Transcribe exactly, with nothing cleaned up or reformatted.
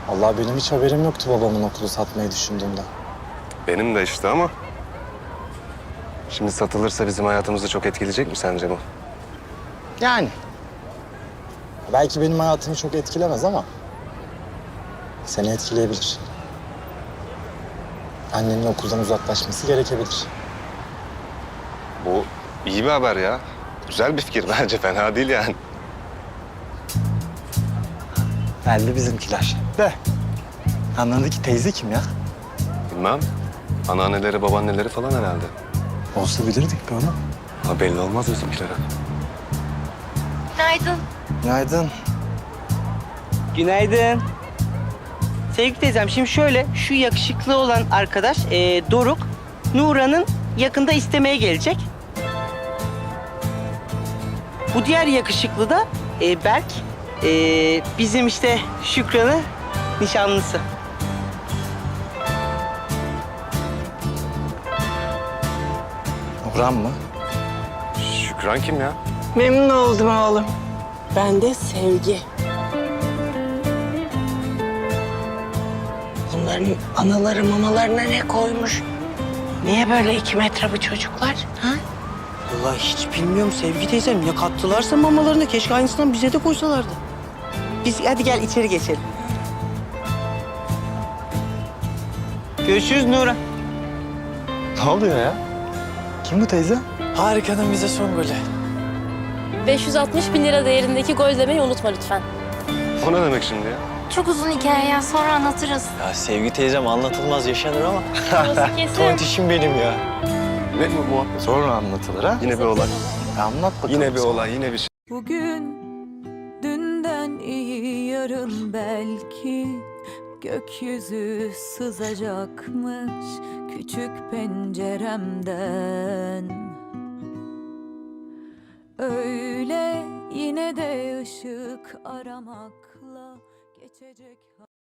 Allah benim hiç haberim yoktu babamın okulu satmayı düşündüğünde. Benim de işte ama... Şimdi satılırsa bizim hayatımızı çok etkileyecek mi sence bu? Yani. Belki benim hayatımı çok etkilemez ama... seni etkileyebilir. Annenin okuldan uzaklaşması gerekebilir. Bu iyi bir haber ya. Güzel bir fikir bence, fena değil yani. Geldi bizimkiler. De. Anladaki teyze kim ya? Bilmem. Anneanneleri, babaanneleri falan herhalde. Olsa bilirdik be onu. Ha, belli olmaz bizimkilere. Günaydın. Günaydın. Günaydın. Sevgili teyzem, şimdi şöyle, şu yakışıklı olan arkadaş e, Doruk, Nura'nın yakında istemeye gelecek. Bu diğer yakışıklı da e, Berk, e, bizim işte Şükran'ın nişanlısı. Orhan mı? Şükran kim ya? Memnun oldum oğlum. Ben de Sevgi. Bunların anaları mamalarına ne koymuş? Niye böyle iki metre bu çocuklar? Ha? Vallahi hiç bilmiyorum Sevgi teyzem, ne kattılarsa mamalarına, keşke aynısından bize de koysalardı. Biz hadi gel içeri geçelim. Görüşürüz Nura. Ne oluyor ya? Kim bu teyze? Harika'nın bize son golü. beş yüz altmış bin lira değerindeki gol demeyi unutma lütfen. O ne demek şimdi ya? Çok uzun hikaye ya, sonra anlatırız. Ya Sevgi teyzem anlatılmaz yaşanır ama. Burası kesin. Tontişim benim ya. Ne bu muhabbet? Sonra anlatılır ha. Yine bir olay. Ya anlat bakalım. Yine bir olay, yine bir şey. Bugün dünden iyi, yarın belki gökyüzü sızacakmış küçük penceremden. Öyle yine de ışık aramakla geçecek.